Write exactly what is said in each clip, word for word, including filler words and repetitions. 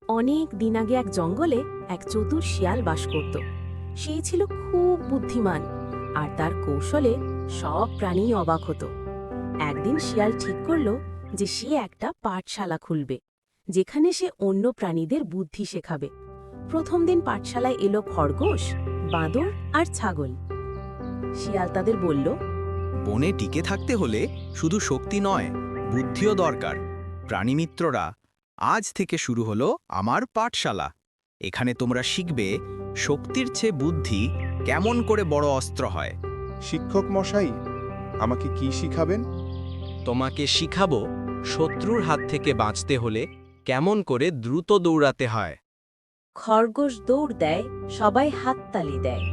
অনেক দিন আগে এক জঙ্গলে এক চতুর শিয়াল বাস করত। সে ছিল খুব বুদ্ধিমান, আর তার কৌশলে সব প্রাণী অবাক হতো। একদিন শিয়াল ঠিক করল যে সে একটা পাঠশালা খুলবে, যেখানে সে অন্য প্রাণীদের বুদ্ধি শেখাবে। প্রথম দিন পাঠশালায় এলো খরগোশ, বাঁদর আর ছাগল। শিয়াল তাদের বলল, বনে টিকে থাকতে হলে শুধু শক্তি নয়, বুদ্ধিও দরকার। প্রাণীমিত্ররা, আজ থেকে শুরু হলো আমার পাঠশালা। এখানে তোমরা শিখবে শক্তির চেয়ে বুদ্ধি কেমন করে বড় অস্ত্র হয়। শিক্ষক মশাই, আমাকে কি শিখাবেন? তোমাকে শিখাবো শত্রুর হাত থেকে বাঁচতে হলে কেমন করে দ্রুত দৌড়াতে হয়। খরগোশ দৌড় দেয়, সবাই হাততালি দেয়।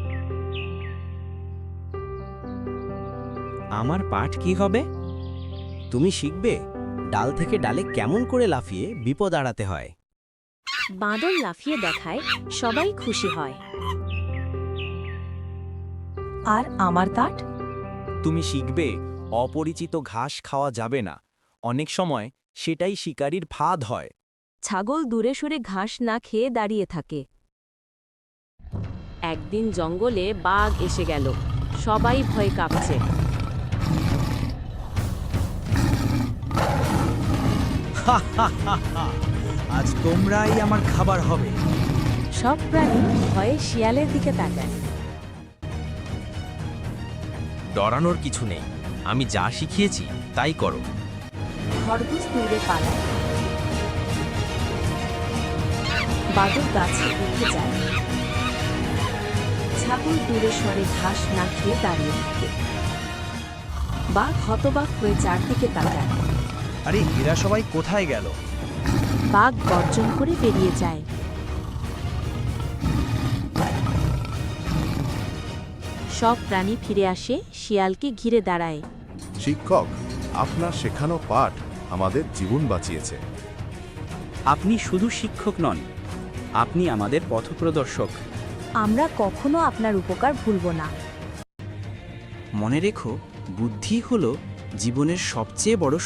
আমার পাঠ কি হবে? তুমি শিখবে ডাল থেকে ডালে কেমন করে লাফিয়ে বিপদ এড়াতে হয়। বাঁদর লাফিয়ে দেখায়, সবাই খুশি হয়। আর আমার কাঠ? তুমি শিখবে অপরিচিত ঘাস খাওয়া যাবে না, অনেক সময় সেটাই শিকারীর ফাঁদ হয়। ছাগল দূরে সরে ঘাস না খেয়ে দাঁড়িয়ে থাকে। একদিন জঙ্গলে বাঘ এসে গেল, সবাই ভয়ে কাঁপছে। আজ তোমরাই আমার খাবার হবে। সব প্রাণী ভয়ে শিয়ালের দিকে তাকায়। ডরানোর কিছু নেই, আমি যা শিখিয়েছি তাই করো। খরগোশ দূরে পালায়, বাদর গাছে উঠে যায়, ছাগল দূরে সরে ঘাস না খেয়ে দাঁড়িয়ে থাকে। বাঘ হতবাক হয়ে চারদিকে তাকায়। আরে এরা সবাই কোথায় গেল? বাঘ গর্জন করে বেরিয়ে যায়। সব প্রাণী ফিরে আসে, শিয়ালকে ঘিরে দাঁড়ায়। শিক্ষক, আপনার শেখানো পাঠ আমাদের জীবন বাঁচিয়েছে। আপনি শুধু শিক্ষক নন, আপনি আমাদের পথপ্রদর্শক। আমরা কখনো আপনার উপকার ভুলব না। মনে রেখো, বুদ্ধি হলো জীবনের সবচেয়ে বড়